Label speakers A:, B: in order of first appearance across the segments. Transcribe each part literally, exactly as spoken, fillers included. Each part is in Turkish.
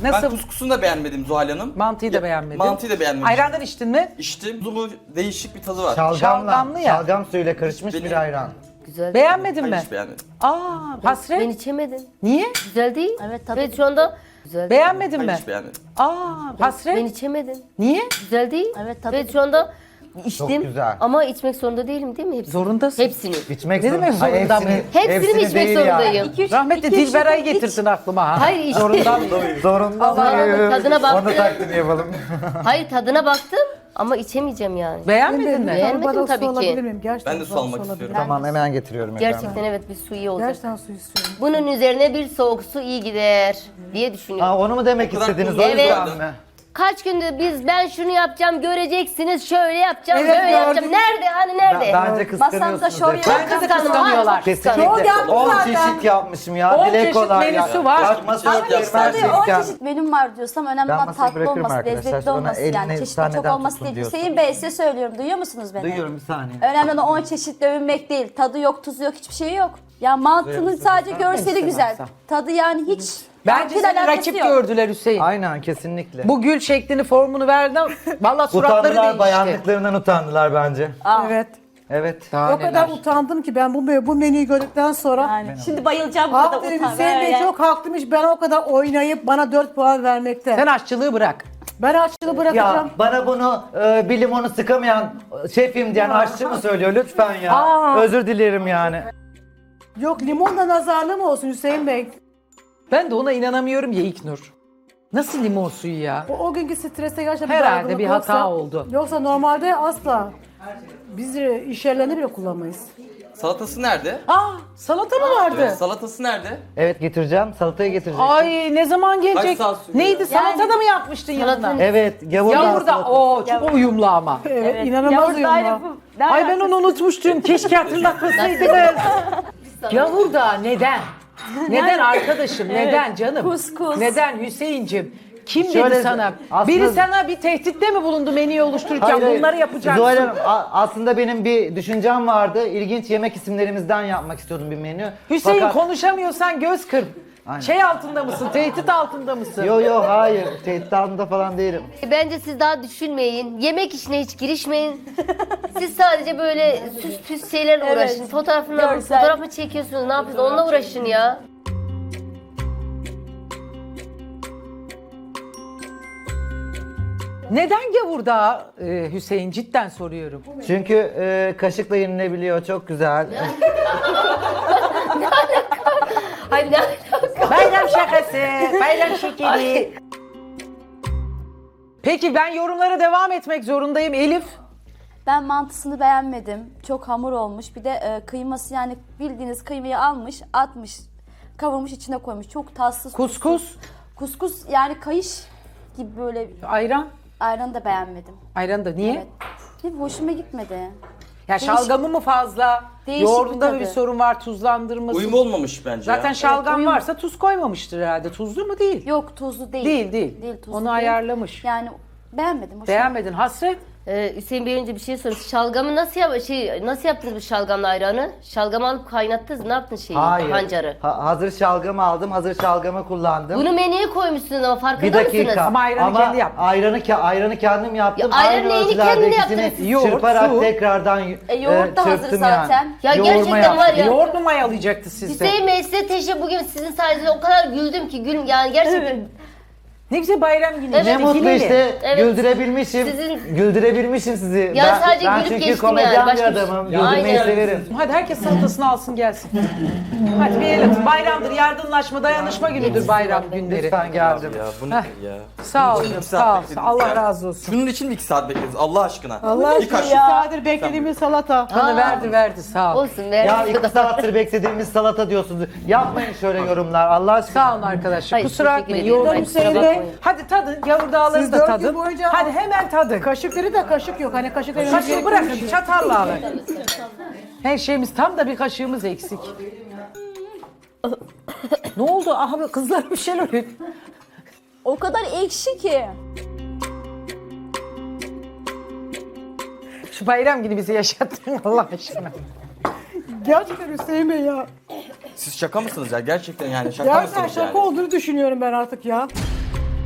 A: Nasıl?
B: Ben kuskusunu da beğenmedim Zuhal Hanım.
A: Mantıyı da
B: Ya,
A: beğenmedim.
B: Mantıyı da beğenmedim.
A: Ayrandan içtin mi?
B: İçtim. Tuzumu değişik bir tadı var.
C: Şalgamla,
A: Şalgamlı ya.
C: şalgam suyuyla karışmış
B: Benim-
C: bir ayran.
D: Güzel.
A: Beğenmedin
B: Hayır,
A: mi?
B: hiç beğenmedim.
A: Aa, hasret.
D: Ben içemedim.
A: Niye?
D: Güzel değil.
E: Evet, tadı-
D: Ve şu anda güzel.
A: Beğenmedin
B: Hayır,
A: mi?
B: hiç beğenmedim.
A: Aa, hasret.
D: Ben içemedim.
A: Niye?
D: Güzel değil.
E: Evet, tadı-
D: Ve şu anda içtim.
C: güzel.
D: Ama içmek zorunda değilim değil mi? Hepsini.
A: Zorundasın.
D: Hepsini.
C: İçmek
A: Ne
C: zor-
A: demek
C: Hayır,
A: zorunda mıyım?
D: Hepsini mi içmek
C: değil
D: zorundayım?
C: yani.
E: İki, üç-
A: Rahmetli
E: iki, üç
A: Dilberay'ı
E: yudum iç.
A: getirsin aklıma ha.
D: Hayır, işte-
A: Zorunda mıyım?
C: Zorunda
D: Allah'ım,
C: mıyım?
D: tadına baktım.
C: Onu taklidi yapalım.
D: Hayır tadına baktım ama içemeyeceğim yani.
A: Beğenmedin mi?
D: Beğenmedim tabii ki.
F: Alabilir miyim? Gerçekten
B: Ben de su
F: soğuk
B: almak
F: alabilir
B: istiyorum.
F: miyim?
C: Tamam hemen getiriyorum efendim.
D: Gerçekten evet bir su iyi olacak.
F: Gerçekten su istiyorum.
D: Bunun üzerine bir soğuk su iyi gider diye düşünüyorum.
C: Ha, onu mu demek
B: O kadar
C: istediniz? O
B: tuzlu
C: yüzden
D: Evet.
C: mi?
D: Kaç gündür biz ben şunu yapacağım göreceksiniz şöyle yapacağım
F: Evet,
D: böyle yapacağım.
F: gördük.
D: Nerede hani nerede?
C: Ben- Bence
E: Masamda
C: kıskanıyorsunuz.
E: şov
C: efendim.
E: yapın.
A: Bence de kıskanıyorlar.
F: Şov
C: Kesinlikle.
F: yaptım
C: on
F: zaten.
C: çeşit yapmışım ya.
A: on
C: Dile
A: çeşit
C: kolay ya.
A: menüsü var.
C: Yapma
B: Ama
C: söyleyeyim
B: işte
C: her
E: Tabii
C: şey
E: on
C: imkan.
E: çeşit menüm var diyorsam önemli
C: Ben
E: olan
C: masayı
E: tatlı
C: bırakırım
E: olması,
C: arkadaşlar.
E: lezzetli
C: Sonra
E: olması
C: eline
E: yani
C: bir
E: çeşitli
C: tane
E: çok
C: daha
E: olması
C: tutun
E: değil.
C: diyorsun.
E: Hüseyin Bey size söylüyorum duyuyor musunuz beni?
C: Duyuyorum bir saniye.
E: Önemli olan on çeşitle övünmek değil. Tadı yok, tuzu yok, hiçbir şey yok. Ya mantının sadece görseli güzel. Tadı yani hiç
A: Bence
E: mantıyla
A: seni
E: alakası
A: rakip
E: yok.
A: gördüler Hüseyin.
C: Aynen kesinlikle.
A: Bu gül şeklini, formunu verdi. Valla suratları
C: Utandılar,
A: değişti.
C: bayanlıklarından utandılar bence.
F: Evet.
C: Evet.
A: Daha
F: O kadar
A: neler.
F: utandım ki ben bu, bu menüyü gördükten sonra.
E: Yani şimdi bayılacağım burada
F: Haklı
E: utan.
F: Hüseyin Bey
E: böyle.
F: çok haklıymış. Ben o kadar oynayıp bana dört puan vermekte.
A: Sen aşçılığı bırak.
F: Ben açlığı bırakacağım.
C: Ya bana bunu e, bir limonu sıkamayan şefim diyen aşçı mı söylüyor lütfen ya.
F: Aa.
C: Özür dilerim yani.
F: Yok limonla nazarlı mı olsun Hüseyin Bey?
A: Ben de ona inanamıyorum ya İlknur. Nasıl limon suyu ya?
F: O, o günkü strese gerçekten bir
A: Herhalde
F: dargınlık
A: bir hata oldu.
F: Yoksa normalde asla. Biz e, iş yerlerinde bile kullanmayız.
B: Salatası nerede?
A: Aa, salata mı vardı?
B: Evet, salatası nerede?
C: Evet getireceğim. Salatayı getireceğim.
A: Ay ne zaman gelecek?
B: Kaç saat sürüyor
A: Neydi
B: ya?
A: salata da mı yapmıştın
D: Salatanın-
A: yanına?
C: Evet. Gavurda.
A: Yavurda o çok uyumlu ama.
F: Evet, inanılmaz
E: Yavuz
F: uyumlu.
E: ayrı bu. Ne
A: Ay ben
E: alakası?
A: onu unutmuştum. Keşke hatırlatmasaydınız. Yavurda neden? Neden arkadaşım? Neden canım?
E: Kuskus.
A: Neden Hüseyincim? Kim
C: Şöyle,
A: dedi sana?
C: aslında-
A: Biri sana bir tehditte mi bulundu menüyü oluştururken?
C: Hayır, hayır.
A: Bunları yapacaksın.
C: Zuhal Hanım, a- aslında benim bir düşüncem vardı. İlginç yemek isimlerimizden yapmak istiyordum bir menü.
A: Hüseyin
C: Fakat-
A: konuşamıyorsan göz kırp.
C: Aynen.
A: Şey altında mısın? Tehdit altında mısın?
C: Yo yo hayır. Tehdit altında falan değilim.
D: Bence siz daha düşünmeyin. Yemek işine hiç girişmeyin. Siz sadece böyle süs püs şeylerle
E: Evet.
D: uğraşın. Fotoğrafını
E: Görsel.
D: fotoğraf mı çekiyorsunuz? Ne yapıyorsunuz? Onunla uğraşın ya.
A: Neden gavurda e, Hüseyin? Cidden soruyorum.
C: Çünkü e, kaşıkla yenilebiliyor. Çok güzel.
D: Hayır ne alaka?
A: Bayram şakası, bayram şekeri. Peki ben yorumlara devam etmek zorundayım Elif.
E: Ben mantısını beğenmedim. Çok hamur olmuş. Bir de e, kıyması yani bildiğiniz kıymayı almış, atmış, kavurmuş içine koymuş. Çok tatsız.
A: Kuskus,
E: Kuskus yani kayış gibi böyle
A: ayran.
E: ayranı da beğenmedim.
A: Ayran da niye?
E: Evet. Ne hoşuma gitmedi.
A: Ya şalgamı mı fazla?
E: Değişik
A: Yoğurdunda
E: bir
A: mı bir
E: tadı.
A: sorun var tuzlandırması?
B: Uyum olmamış bence
A: Zaten
B: ya.
A: şalgam
E: uyum.
A: varsa tuz koymamıştır herhalde. Tuzlu mu değil?
E: Yok tuzlu değil.
A: Değil değil.
E: tuzlu
A: Onu
E: değil.
A: ayarlamış.
E: Yani beğenmedim. hoşuma
A: Beğenmedin hasret.
D: Ee, Hüseyin Bey önce bir şey sorayım. Şalgamı nasıl yap şey nasıl yaptınız bu şalgamla ayranı? Şalgamı alıp kaynattınız. Ne yaptın şeyi?
C: Hayır.
D: Pancarı.
C: Ha- hazır şalgamı aldım. Hazır şalgamı kullandım.
D: Bunu menüye koymuşsunuz ama farkında
C: bir dakika.
D: mısınız?
A: Ama ayranı kendi yapmış.
C: Ayranı, ke- ayranı kendim yaptım.
D: Ya ayranı
C: Aynı
D: neyini
C: ölçülerde
D: kendin
C: ikisini
D: yaptınız?
A: Yoğurt,
C: çırparak
A: su.
C: tekrardan
E: E, yoğurt da hazır
C: çırptım
E: zaten.
D: Ya
C: Yoğurma
D: gerçekten
C: yaptım.
D: var ya.
A: Yoğurt mu mayalayacaktı sizde?
D: Hüseyin Bey size teşekkür bugün sizin sayenizde o kadar güldüm ki gül yani gerçekten
A: Ne güzel bayram günü.
D: Evet.
C: Ne
A: işte,
C: mutlu
A: hileli.
C: işte
D: Evet.
C: güldürebilmişim.
D: Sizin-
C: Güldürebilmişim sizi.
D: Ya
C: ben,
D: sadece
C: ben
D: gülüp
C: çünkü
D: geçtim
C: komedyen
D: yani,
C: bir
D: başka bir şey-
C: adamım.
D: Ya
C: Güldürmeyi
D: aynen.
C: severim.
A: Hadi herkes salatasını alsın gelsin. Hadi bir el atın. Bayramdır, yardımlaşma, dayanışma günüdür bayram günleri.
C: Lütfen geldim.
B: Ya bu ne
A: Heh.
B: ya?
A: Sağ ol,
B: Bunun için iki
A: sağ
B: saat
A: ol.
B: beklediniz
A: Allah
B: ya.
A: razı olsun.
B: Şunun için mi iki saat beklediniz Allah aşkına?
F: Allah
B: Bir
F: aşkına
B: kaşık.
F: ya. Saattir beklediğimiz salata.
A: Bana verdi verdi sağ ol.
D: olsun be.
C: Ya iki saattir beklediğimiz salata diyorsunuz. Yapmayın şöyle yorumlar Allah aşkına.
A: Sağ olun arkadaşlar.
D: Hayır,
A: Kusura
D: teşekkür
A: bakmayın.
D: ederim.
A: Yoğurdum
D: Hayır, kusura
A: Hüseyin Bey.
D: bakmayın.
A: Hadi tadın. Yavur dağları
F: Siz
A: da
F: dört gün
A: tadın.
F: boyunca-
A: Hadi hemen tadın.
F: Kaşıkları da kaşık yok. Hani kaşık
A: Kaşığı bırakın. Çatalla alın. Her şeyimiz tam da bir kaşığımız eksik. Ne oldu? Aha kızlar bir şeyler oluyor.
E: O kadar ekşi ki.
A: Şu bayram günü bizi yaşattın Allah aşkına.
F: Gerçekten Hüseyin Bey ya.
B: Siz şaka mısınız ya? Gerçekten yani şaka
F: Gerçekten
B: mısınız
F: şaka
B: yani?
F: olduğunu düşünüyorum ben artık ya.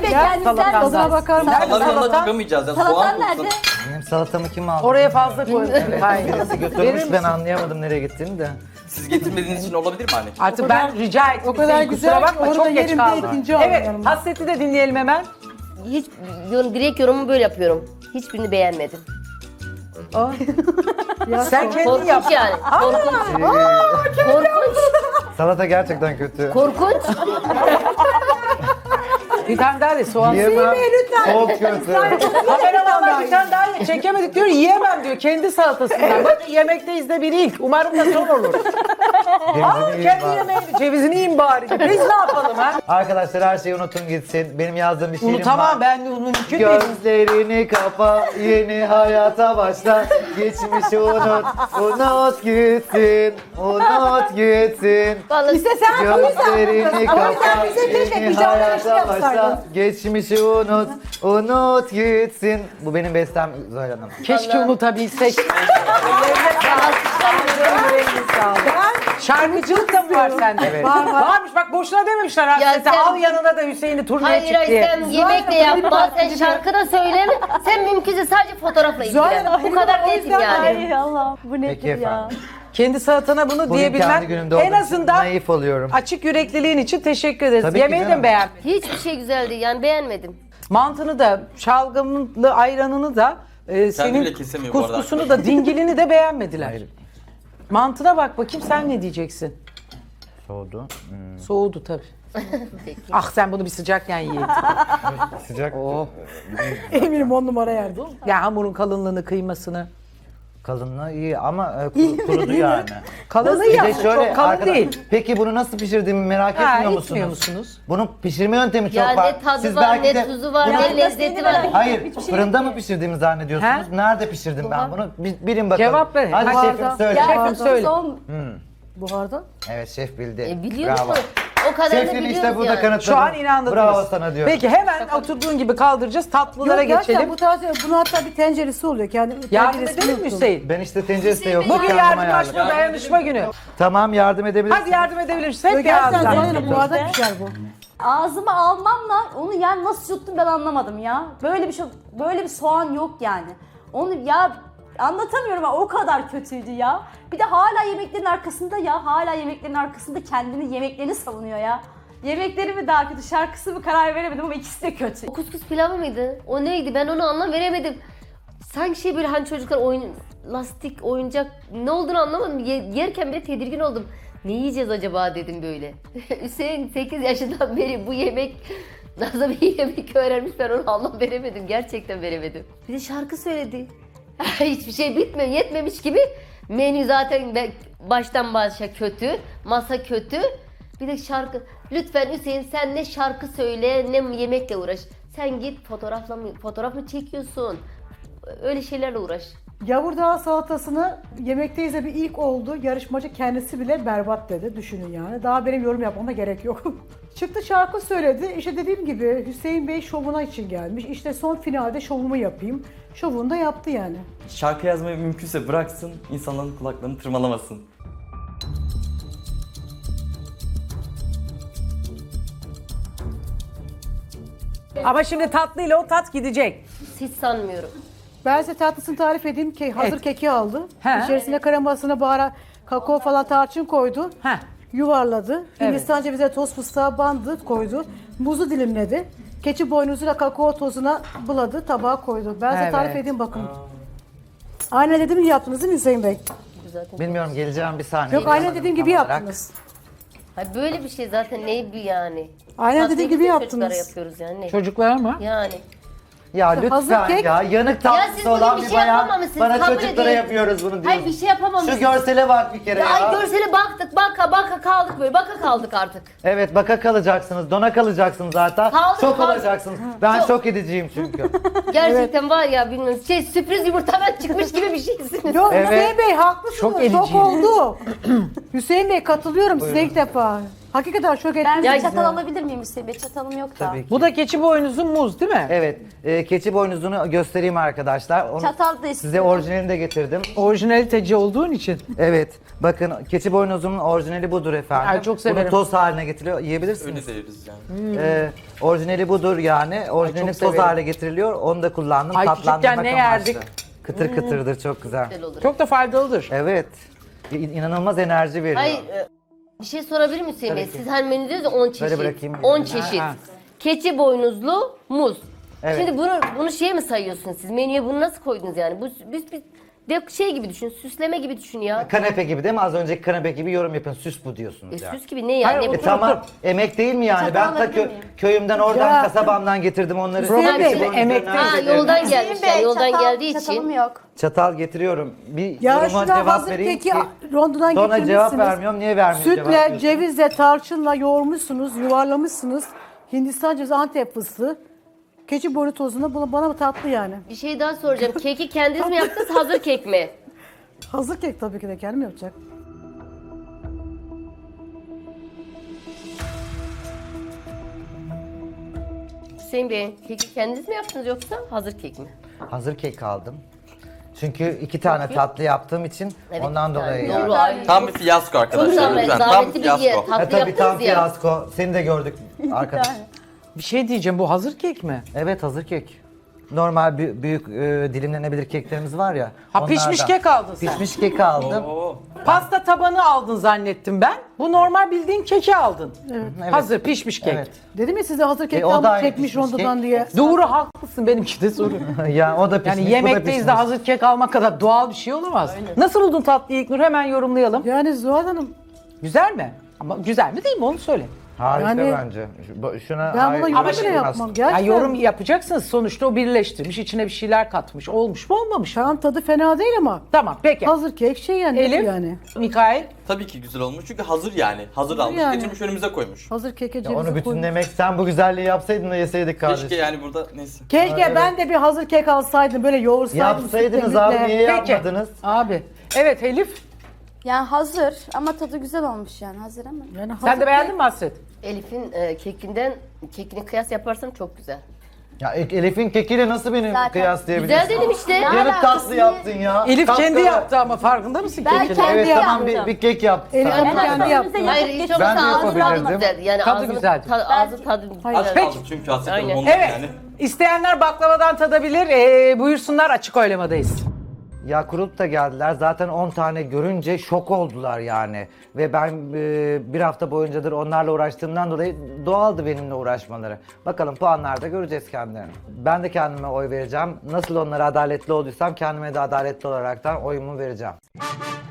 E: Bey
F: Gel,
E: kendinizden
A: salatandan.
F: Tadına bakar mısın?
B: Onların yanına
A: salata?
B: çıkamayacağız ya. Soğan
E: Salatan
B: kokusu.
E: nerede?
C: Benim salatamı kim aldı?
A: Oraya fazla koymuşsun.
C: Evet,
A: Hayır.
C: birisi
A: Verir
C: götürmüş
A: misin?
C: ben anlayamadım nereye gittiğini de.
B: Siz getirmediğiniz için olabilir mi anne?
A: Artık ben rica ettim.
F: o kadar
A: Hüseyin,
F: güzel
A: kusura
F: ki
A: bakma
F: orada
A: çok geç
F: yerimde
A: kaldım.
F: ikinci aldım
A: Evet,
F: yanıma.
A: hasreti de dinleyelim hemen.
D: Hiç yorum, direkt yorumumu böyle yapıyorum. Hiçbirini beğenmedim.
A: Sen kendin yap.
D: Korkunç yani. Korkunç. Korkunç.
C: Salata gerçekten kötü.
D: Korkunç.
A: Bir tane daha de soğan.
C: Yiyemem. Çok kötü.
A: Kameramanlar bir tane daha ye. Çekemedik diyor, yiyemem diyor. Kendi salatasından. Bak yemekteyiz de bir ilk. Umarım da son olur. Aa,
C: Cevizini yiyin
A: kendi
C: bari.
A: yemeğini, cevizini yiyin bari. Biz ne yapalım ha?
C: Arkadaşlar her şeyi unutun gitsin. Benim yazdığım bir şiirim
A: Unutamam
C: var.
A: ben de mümkün değil.
C: Gözlerini kapa, yeni hayata başla. Geçmişi unut, unut gitsin, unut gitsin.
D: Vallahi
F: İşte sen
C: Gözlerini kapa,
F: bize keşke
C: yeni
F: pijama
C: hayata
F: yarışı yapsaydın.
C: başla. Geçmişi unut, unut gitsin. Bu benim bestem Zuhal Hanım.
A: Keşke unutabilsek. Şarkıcılık da mı var sende?
C: Evet.
F: Var, var.
A: Varmış bak boşuna dememişler hasreti.
D: sen-
A: Al yanına da Hüseyin'i turneye
D: hayır
A: çık
D: hayır
A: diye.
D: sen yemek de yapma, sen şarkı da söyleme. Sen mümkünse sadece fotoğrafla ilgilen.
F: Zuhal
D: Bu kadar
F: Hanım,
D: nesin
F: o yüzden
D: yani.
E: Ay Allah bu
C: Peki
E: nedir ya?
C: efendim.
A: Kendi salatana bunu
C: Bugün
A: diyebilmen
C: kendi günümde
A: en
C: olduğum için
A: azından
C: naif oluyorum.
A: açık yürekliliğin için teşekkür ederiz.
C: Tabii ki
A: Yemeği de
C: canım.
A: mi beğendin?
D: Hiçbir şey güzeldi yani beğenmedim.
A: Mantını da, şalgamını, ayranını da, e,
B: bile
A: senin
B: kesemiyor bu arada.
A: kuskusunu da, dingilini de beğenmediler.
C: Hayır.
A: Mantına bak bakayım sen ne diyeceksin?
C: Soğudu. Hmm,
A: Soğudu tabii. Ah sen bunu bir sıcakken yiyeydin.
C: sıcak.
A: Oh.
F: Eminim on numara yerde.
A: Ya hamurun kalınlığını, kıymasını.
C: Kalınlığı iyi ama e, kuru- kurudu yani.
A: Kalını
C: Bir
A: ya,
C: de şöyle
A: çok kalın
C: arkadaş-
A: değil.
C: Peki bunu nasıl pişirdiğimi merak
A: Ha,
C: etmiyor
A: etmiyor
C: musunuz?
A: musunuz?
C: Bunun pişirme yöntemi çok
D: Ya
C: var.
D: ne tadı
C: Siz
D: var,
C: belki
D: ne
C: de
D: tuzu var,
C: bunu-
D: ne lezzeti var.
C: Hayır, fırında mı pişirdiğimi zannediyorsunuz?
A: He?
C: Nerede pişirdim ben bunu? Bir, bilin bakalım.
A: Cevap verin.
C: Hadi
A: Hadi.
C: şefim söyle.
E: Ya
A: Şefim söyle.
E: son
F: Buharda.
C: Evet şef bildi.
D: E, biliyor
C: Bravo.
D: musun? O kadar da
C: Şefim
D: biliyoruz
C: işte burada
D: yani.
C: kanıtladı.
A: Şu an inandınız.
C: Bravo sana diyorum.
A: Peki hemen oturduğun gibi kaldıracağız. Tatlılara
F: Yok, gerçekten
A: geçelim.
F: bu tarz, bunun hatta bir tenceresi oluyor. Kendi
A: Yardım
F: tenceresini
A: edelim mi
F: unuttum.
A: Hüseyin?
C: Ben işte tenceresi de yok.
A: Bugün
C: kendim
A: yardımlaşma
C: ayarladım.
A: dayanışma günü.
C: Tamam yardım edebilirsin.
A: Hadi yardım edebiliriz. Hep
F: Yok,
A: bir
F: gerçekten
A: ağızdan.
F: Zuhal Hanım buharda pişer bu.
E: ağzıma almamla onu yani nasıl yuttum ben anlamadım ya. Böyle bir şey, böyle bir soğan yok yani. Onu ya anlatamıyorum ama o kadar kötüydü ya. Bir de hala yemeklerin arkasında ya. Hala yemeklerin arkasında kendini yemeklerini savunuyor ya. Yemekleri mi daha kötü, şarkısı mı karar veremedim ama ikisi de kötü.
D: O kuskus pilavı mıydı? O neydi? Ben onu anlam veremedim. Sanki şey böyle hani çocuklar oyun, lastik, oyuncak ne olduğunu anlamadım. Ye- yerken bile tedirgin oldum. Ne yiyeceğiz acaba dedim böyle. Hüseyin sekiz yaşından beri bu yemek nasıl bir yemek öğrenmiş ben onu anlam veremedim. Gerçekten veremedim. Bir de şarkı söyledi. Hiçbir şey bitmiyor, yetmemiş gibi. Menü zaten be- baştan başa kötü, masa kötü. Bir de şarkı. Lütfen Hüseyin sen ne şarkı söyle ne yemekle uğraş. Sen git fotoğrafla mı, fotoğraf mı çekiyorsun? Öyle şeylerle uğraş.
F: Yavurdağ salatasını yemekteyiz de bir ilk oldu. Yarışmacı kendisi bile berbat dedi. Düşünün yani. Daha benim yorum yapmama gerek yok. Çıktı şarkı söyledi. İşte dediğim gibi Hüseyin Bey şovuna için gelmiş. İşte son finalde şovumu yapayım. Şovunu da yaptı yani.
G: Şarkı yazmayı mümkünse bıraksın, insanların kulaklarını tırmalamasın.
A: Ama şimdi tatlıyla o tat gidecek.
D: Hiç sanmıyorum.
F: Ben size tatlısını tarif edeyim. Ke hazır
A: Evet.
F: keki aldı.
A: He.
F: İçerisine kremasını, baharat, kakao falan tarçın koydu.
A: Heh.
F: Yuvarladı. Hindistan cevizi, toz fıstığa bandı, koydu. Muzu dilimledi. Keçi boynuzuyla kakao tozuna buladı, tabağa koydu. Ben size
A: Evet.
F: tarif edeyim bakın. Aynen dediğim gibi yaptınız değil mi Hüseyin Bey?
D: Zaten.
C: Bilmiyorum geleceğim bir saniye.
F: Yok aynen dediğim gibi
C: Tam olarak.
F: yaptınız.
D: Hayır, böyle bir şey zaten ne bir yani.
F: Aynen
D: Tatlıyı
F: dediğim gibi
D: bütün
F: yaptınız.
D: çocuklara yapıyoruz yani. Ne?
A: Çocuklar mı?
D: Yani.
C: Ya
F: Hazır
C: lütfen
F: kek.
C: ya yanık
D: Ya
C: tatlısı
D: siz bugün
C: olan
D: bir
C: bir
D: şey
C: bayan
D: yapamamışsınız,
C: bana
D: kabul
C: çocuklara
D: edin.
C: yapıyoruz bunu
D: Hayır
C: diyorsun.
D: bir şey yapamamışsınız.
C: Şu görsele bak bir kere ya.
D: Ay görsele baktık baka baka kaldık böyle baka kaldık artık.
C: Evet baka kalacaksınız, dona kalacaksınız zaten.
D: Kaldık,
C: Şok
D: kaldık.
C: olacaksınız. Ben
D: Çok.
C: şok ediciyim çünkü.
D: Gerçekten var ya bilmiyorum şey sürpriz yumurtadan çıkmış gibi bir şeysiniz.
F: Yok
C: Evet.
F: Hüseyin Bey haklısınız.
A: Çok
F: Çok,
A: ediciyim.
F: oldu. Hüseyin Bey katılıyorum size ilk defa. Hakikaten şok
E: Ben
F: ettiniz
E: bir
F: bizi.
E: çatal alabilir miyim Hüseyin Bey? Çatalım yok da.
C: Tabii ki.
A: Bu da keçi boynuzun muz değil mi?
C: Evet, e, keçi boynuzunu göstereyim arkadaşlar. Onu
E: Çatal da
C: size
E: istiyorum.
C: orijinalini de getirdim.
A: Orijinaliteci olduğun için.
C: Evet, bakın keçi boynuzunun orijinali budur efendim.
A: Ay, çok severim.
C: Bunu toz haline getiriliyor, yiyebilirsiniz.
B: Öyle deriz yani.
C: Ee, orijinali budur yani. Orijinali
A: çok
C: toz
A: severim.
C: hale getiriliyor. Onu da kullandım.
A: Ay,
C: tatlandırmak
A: küçükken ne
C: amaçlı.
A: yerdik?
C: Kıtır kıtırdır, çok güzel.
D: Güzel olur.
A: Çok da faydalıdır.
C: Evet. İ- inanılmaz enerji veriyor.
D: Hayır, e, bir şey sorabilir miyim Hüseyin Bey?
C: Tabii ki.
D: Siz hani menü diyorsunuz ya on çeşit.
C: bırakayım.
D: on çeşit.
A: Ha.
D: Keçi boynuzlu muz.
C: Evet.
D: Şimdi bunu bunu şeye mi sayıyorsunuz siz? Menüye bunu nasıl koydunuz yani? Bu biz biz de şey gibi düşün, süsleme gibi düşün ya.
C: Kanepe gibi değil mi? Az önceki kanepe gibi yorum yapın. Süs bu
D: E,
C: diyorsunuz yani.
D: süs gibi ne yani?
A: Hayır,
D: Ne
C: E
D: bu?
C: tamam. Emek değil mi yani?
E: Çatal
C: Ben ta
E: alabilir
C: kö-
E: miyim?
C: köyümden oradan
F: Ya.
C: kasabamdan getirdim onları.
F: Hüseyin
C: Keçi
F: Bey,
C: boynuzlarını
A: emekte-
C: arz
D: Ha,
C: ederim.
D: yoldan
E: Hüseyin
D: gelmiş
E: Bey,
D: yani yoldan
E: çatal-
D: geldiği
E: Çatalım
D: için.
E: yok.
C: Çatal getiriyorum. Bir
F: Ya
C: yoruma
F: şurada
C: cevap
F: hazır
C: vereyim
F: keki
C: ki.
F: rondodan
C: Sonra
F: getirmişsiniz.
C: cevap vermiyorum. Niye vermiyorum cevap
F: Sütle,
C: diyorsun?
F: cevizle, tarçınla yoğurmuşsunuz, yuvarlamışsınız. Hindistan cevizi, Antep fıstığı. Keçi boynu tozunu bana, bana tatlı yani.
D: Bir şey daha soracağım. Keki kendiniz mi yaptınız, hazır kek mi?
F: Hazır kek tabii ki de kendim yapacak.
D: Hüseyin Bey, keki kendiniz mi yaptınız yoksa hazır kek mi?
C: Hazır kek aldım. Çünkü iki tane tatlı yaptığım için
D: Evet,
C: ondan
D: yani
C: dolayı
D: doğru,
C: yani.
D: ay.
B: Tam bir fiyasko arkadaşlar.
D: zahmet-
B: Lütfen tam
D: zahmetli
B: bir
D: bir yer.
B: fiyasko.
D: Tatlı
C: Ha, tabii tam
D: yaptınız ya.
C: fiyasko. Seni de gördük arkadaş.
A: Bir şey diyeceğim, bu hazır kek mi?
C: Evet, hazır kek. Normal büyük, büyük e, dilimlenebilir keklerimiz var ya.
A: Ha, pişmiş
C: onlardan.
A: kek aldın sen.
C: Pişmiş kek aldım.
B: Oo.
A: Pasta tabanı aldın zannettim ben. Bu normal bildiğin keki aldın.
C: Evet.
A: Hazır pişmiş kek.
C: Evet.
F: Dedim ya size hazır kek
C: E, o da
F: aldım
C: aynı
F: çekmiş
C: pişmiş
F: rondodan
C: kek.
F: diye.
A: Doğru, haklısın, benimki de soru.
C: ya o da pişmiş,
A: Yani
C: bu da
A: yemekteyiz
C: pişmiş.
A: de hazır kek almak kadar doğal bir şey olamaz. Nasıl buldun tatlıyı İlknur? Hemen yorumlayalım.
F: Yani Zuhal Hanım
A: Güzel mi? Ama güzel mi değil mi onu söyle.
C: Harika
F: Yani-
C: bence. Şu- bu- Şuna
F: ben
C: hayır-
F: buna
A: Ama
F: yorum
A: şimdi-
F: bile yapmam.
A: Ya
F: Gerçekten.
A: yorum yapacaksınız, sonuçta o birleştirmiş, içine bir şeyler katmış. Olmuş mu olmamış mı?
F: Tamam, tadı fena değil ama.
A: Tamam peki.
F: Hazır kek şey yani.
A: Elif,
F: yani.
A: Mikail.
B: Tabii ki güzel olmuş çünkü hazır yani. Hazır
F: Hazır
B: almış,
F: yani.
B: getirmiş önümüze koymuş.
F: Hazır keke
C: Ya
F: cevizi
C: onu
F: koymuş.
C: bütünlemek, sen bu güzelliği yapsaydın da yeseydik kardeşim.
B: Keşke yani burada neyse.
F: Keşke ben de bir hazır kek alsaydım, böyle yoğursaydım.
C: Yapsaydınız
F: sütle,
C: abi,
F: mütle.
C: niye
A: Peki.
C: yapmadınız?
A: Abi. Evet Elif.
E: Yani hazır ama tadı güzel olmuş yani hazır ama.
F: Yani hazır
A: Sen de
F: kek-
A: beğendin mi Hasret?
D: Elif'in e, kekinden kekini kıyas yaparsam çok güzel.
C: Ya E- Elif'in kekiyle nasıl beni
E: Zaten
C: kıyaslayabilirsin?
D: Güzel dedim işte.
C: Yarım
E: alakası
C: tatlı
E: ne?
C: yaptın ya.
A: Elif kendi
C: Kapkara.
A: yaptı ama farkında mısın
E: Ben
A: kekini?
E: kendi
C: Evet tamam, bir,
E: yaptım.
C: bir kek yaptı.
F: Elif
C: sadece.
F: ama kendi yaptı.
D: Hayır hiç
E: Ben
D: olmazsa
C: de
D: ağzı tadı
C: yapabilirdim.
D: güzel. Yani
A: Tadı
D: ağzını,
A: güzeldi.
D: ta- ağzı tadı
F: Hayır.
B: Az
D: güzel.
B: kaldı çünkü hasret
D: Aynen.
B: ondan
A: Evet.
B: yani.
A: İsteyenler baklavadan tadabilir. Ee, buyursunlar, açık oylamadayız.
C: Ya kurup da geldiler. Zaten on tane görünce şok oldular yani. Ve ben e, bir hafta boyuncadır onlarla uğraştığımdan dolayı doğaldı benimle uğraşmaları. Bakalım puanlarda göreceğiz kendilerini. Ben de kendime oy vereceğim. Nasıl onlara adaletli olduysam kendime de adaletli olaraktan oyumu vereceğim.